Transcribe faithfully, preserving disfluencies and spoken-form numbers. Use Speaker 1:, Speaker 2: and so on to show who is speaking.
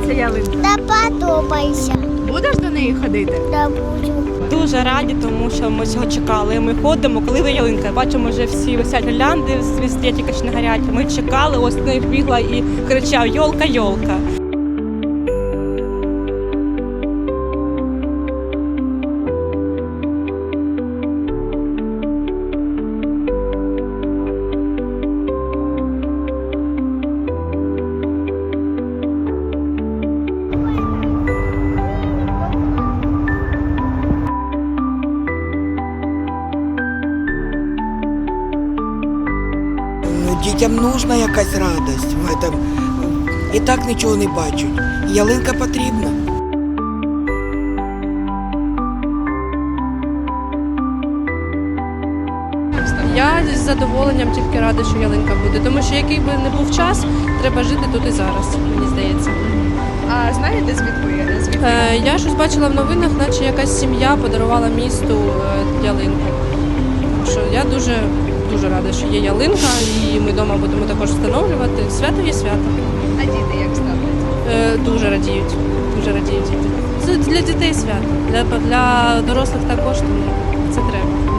Speaker 1: подобається ялинка?
Speaker 2: Та подобається.
Speaker 1: Будеш до неї ходити?
Speaker 2: Та буду.
Speaker 3: Дуже раді, тому що ми цього чекали. Ми ходимо, коли ви ялинка. Бачимо, вже всі висять гірлянди, світлі тільки ще не горять. Ми чекали, ось не бігла і кричав «Йолка, йолка».
Speaker 4: Ну, дітям нужна якась радість в этом. І так нічого не бачать. Ялинка потрібна.
Speaker 5: Я з задоволенням тільки рада, що ялинка буде, тому що який би не був час, треба жити тут і зараз, мені здається.
Speaker 1: А знаєте, звідки? звідки?
Speaker 5: Е, я щось бачила в новинах, наче якась сім'я подарувала місту е, ялинку. Так що я дуже, дуже рада, що є ялинка, і ми вдома будемо також встановлювати. Свято є свято.
Speaker 1: А діти як ставляться?
Speaker 5: Е, дуже радіють, дуже радіють діти. Це для дітей свято, для, для дорослих також, тому це треба.